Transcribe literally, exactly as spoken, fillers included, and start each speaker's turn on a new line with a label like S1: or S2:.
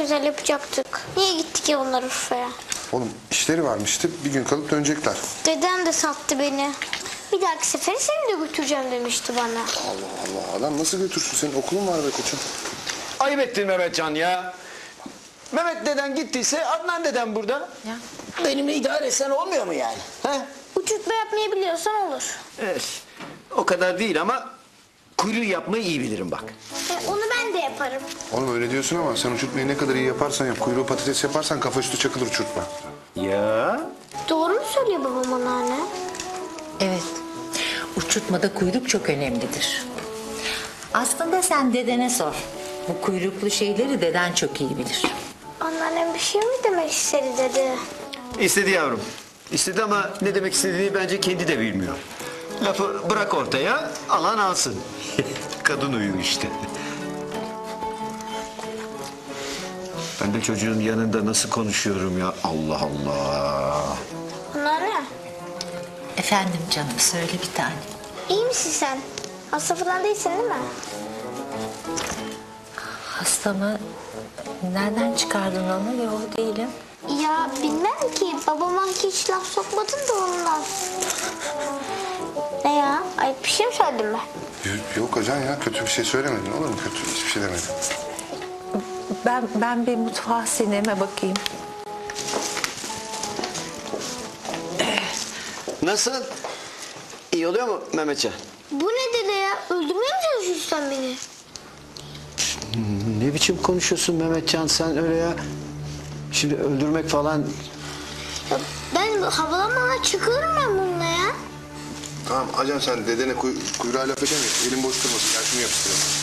S1: güzel yapacaktık. Niye gittik ya onlar Urfa'ya?
S2: Oğlum işleri varmıştı. Bir gün kalıp dönecekler.
S1: Dedem de sattı beni. Bir dahaki sefere seni de götüreceğim demişti bana.
S2: Allah Allah. Adam nasıl götürsün? Senin okulun var be koçum.
S3: Ayıp ettin Mehmetcan ya. Mehmet deden gittiyse Adnan deden burada.
S4: Ya.
S5: Benimle idare etsen olmuyor mu yani?
S3: He?
S1: Uçurtma yapmayı biliyorsan olur.
S3: Evet. O kadar değil ama kuyruğu yapmayı iyi bilirim bak.
S1: E, onu ben de yaparım.
S2: Oğlum öyle diyorsun ama sen uçurtmayı ne kadar iyi yaparsan yap. Kuyruğu patates yaparsan kafa üstü çakılır uçurtma.
S3: Ya.
S1: Doğru mu söylüyor babam anneanne?
S4: Evet. Uçurtmada kuyruk çok önemlidir. Aslında sen dedene sor. Bu kuyruklu şeyleri deden çok iyi bilir.
S1: Anneannem bir şey mi demek istedi dedi.
S3: İstedi yavrum. İstedi ama ne demek istediğini bence kendi de bilmiyor. Lafı bırak ortaya, alan alsın. Kadın uyu işte. Ben de çocuğun yanında nasıl konuşuyorum ya? Allah Allah.
S1: Anneanne,
S4: Efendim canım söyle bir tane.
S1: iyi misin sen? Hasta falan değilsin değil mi?
S4: Hasta mı? Nereden çıkardın onu? Yok değilim.
S1: Ya bilmem ki. Babama hiç laf sokmadın da ondan. Ne ya? Ayıp bir şey mi söyledim ben?
S2: Yok acan ya. Kötü bir şey söylemedin olur mu? Kötü hiçbir şey demedin.
S4: Ben ben bir mutfağa sineme bakayım.
S3: Nasıl? İyi oluyor mu Mehmetcan?
S1: Bu ne dede ya? Öldürmeye mi çalışıyorsun sen beni?
S3: Ne biçim konuşuyorsun Mehmetcan sen öyle ya? Şimdi öldürmek falan...
S1: Ya ben havalanmadan çıkıyorum ben bununla ya.
S2: Tamam acan sen dedene kuy kuyruğa laf edemiyorsun. Elin boş durmasın. Gel şunu yapıştıralım.